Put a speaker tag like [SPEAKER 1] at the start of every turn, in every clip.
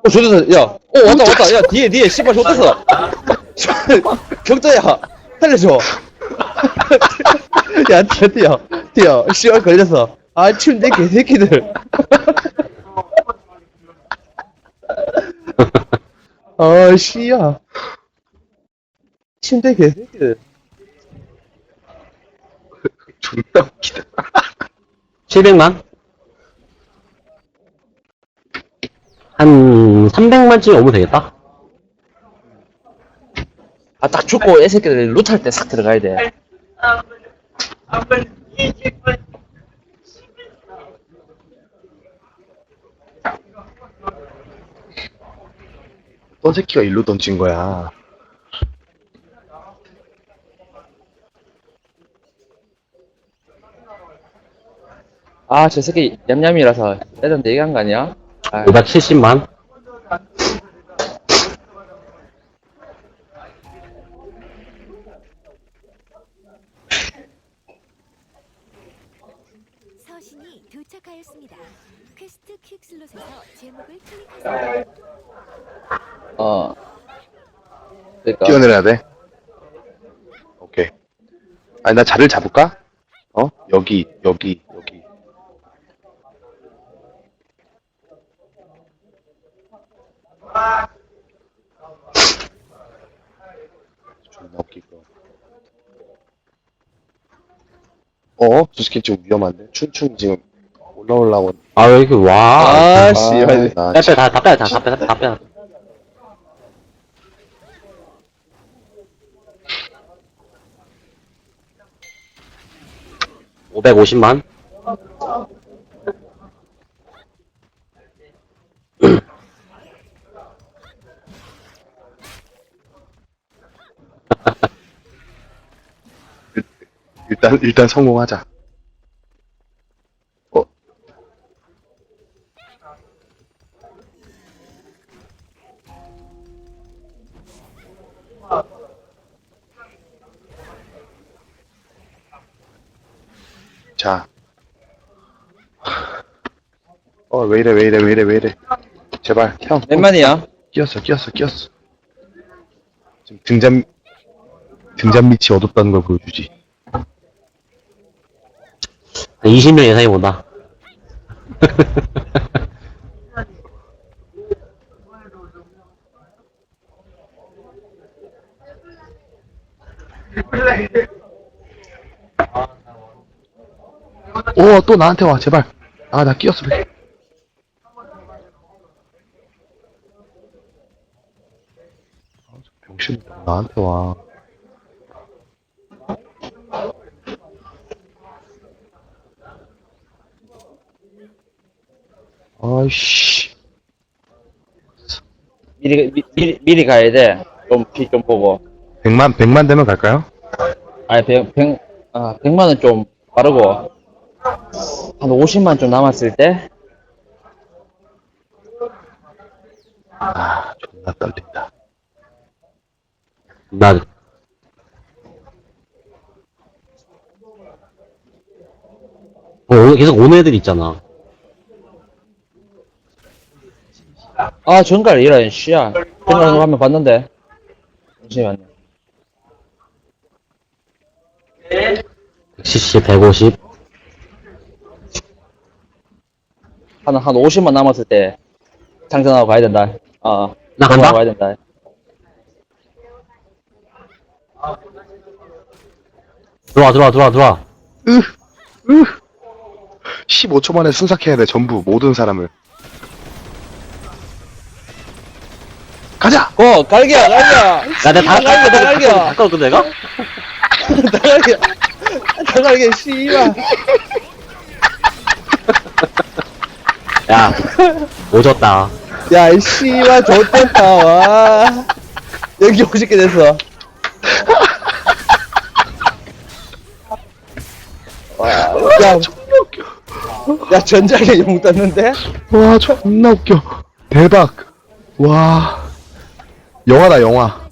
[SPEAKER 1] 좋댔어. 야, 왔다. 야, 뒤에, 씨발, 좋댔어. 경자야, 살려줘. 야, 뛰어. 씨발, 걸렸어. 아, 침대 개새끼들. 아, 씨야. 침대 개새끼들.
[SPEAKER 2] 존나 웃기다.
[SPEAKER 3] 700만? 한 300만쯤 오면 되겠다.
[SPEAKER 1] 아, 딱 죽고, 애 새끼들 루탈 때 싹 들어가야 돼.
[SPEAKER 2] 어떤 새끼가 일로 던진 거야.
[SPEAKER 1] 아, 저 새끼 냠냠이라서 애들한테 얘기한 거 아니야? 아,
[SPEAKER 3] 570만?
[SPEAKER 4] 서신이 도착하였습니다. 퀘스트 퀵슬롯에서 제목을 클릭하세요.
[SPEAKER 1] 그러니까.
[SPEAKER 2] 뛰어내려야 돼. 오케이. 아니, 나 자리를 잡을까? 여기. 존나 웃기고. 저 새끼 좀 위험한데? 춘충 지금 올라오려고.
[SPEAKER 3] 아, 왜 이렇게 와.
[SPEAKER 1] 아, 씨발.
[SPEAKER 2] 나
[SPEAKER 3] 빼, 다 빼. 550만?
[SPEAKER 2] 일단 성공하자. 자. 왜 이래. 제발, 형.
[SPEAKER 1] 몇 만이야?
[SPEAKER 2] 끼었어. 지금 등잔 밑이 어둡다는 걸 보여주지.
[SPEAKER 3] 한 20명 예상해 본다.
[SPEAKER 2] 또 나한테 와, 제발. 나 끼었어. 병신, 나한테 와. 아이씨.
[SPEAKER 1] 미리 가야 돼. 피 좀 보고.
[SPEAKER 2] 100만 되면 갈까요?
[SPEAKER 1] 아니, 100만은 좀 빠르고. 한 50만 좀 남았을 때?
[SPEAKER 2] 존나 떨린다.
[SPEAKER 3] 나, 계속 오는 애들 있잖아.
[SPEAKER 1] 아, 정갈 이런, 씨야. 정갈 한번 봤는데. 잠시만요.
[SPEAKER 3] 170, 150.
[SPEAKER 1] 한 50만 남았을 때. 장전하고 가야 된다.
[SPEAKER 3] 나 간다?
[SPEAKER 1] 가야 된다.
[SPEAKER 3] 들어와.
[SPEAKER 2] 15초 만에 순삭해야 돼, 전부, 모든 사람을. 가자!
[SPEAKER 1] 갈겨!
[SPEAKER 3] 야, 내가
[SPEAKER 1] 다 갈겨!
[SPEAKER 3] 바꿔도 내가?
[SPEAKER 1] 다 갈겨, 씨발.
[SPEAKER 3] 야, 오졌다.
[SPEAKER 1] 야, 이 씨발, 좋겠다, 와. 여기 50개 됐어. 와, 야,
[SPEAKER 2] 존나 웃겨.
[SPEAKER 1] 야, 전작에 용 떴는데?
[SPEAKER 2] 와, 존나 웃겨. 대박. 와. 영화다, 영화.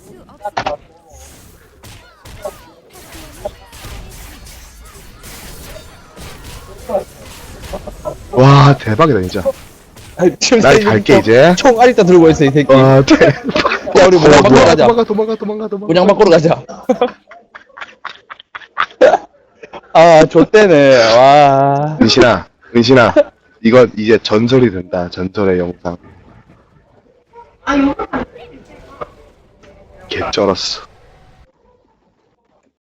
[SPEAKER 2] 와, 대박이다, 진짜.
[SPEAKER 1] 지금
[SPEAKER 2] 난 갈게, 이제.
[SPEAKER 1] 총 아직도 들고 있어 이 새끼.
[SPEAKER 2] 아,
[SPEAKER 1] 야 우리 문양 바꾸러 가자.
[SPEAKER 2] 도망가.
[SPEAKER 1] 문양 바꾸러 가자. 아 좆대네. 와.
[SPEAKER 2] 은신아. 이건 이제 전설이 된다. 전설의 영상. 개 쩔었어.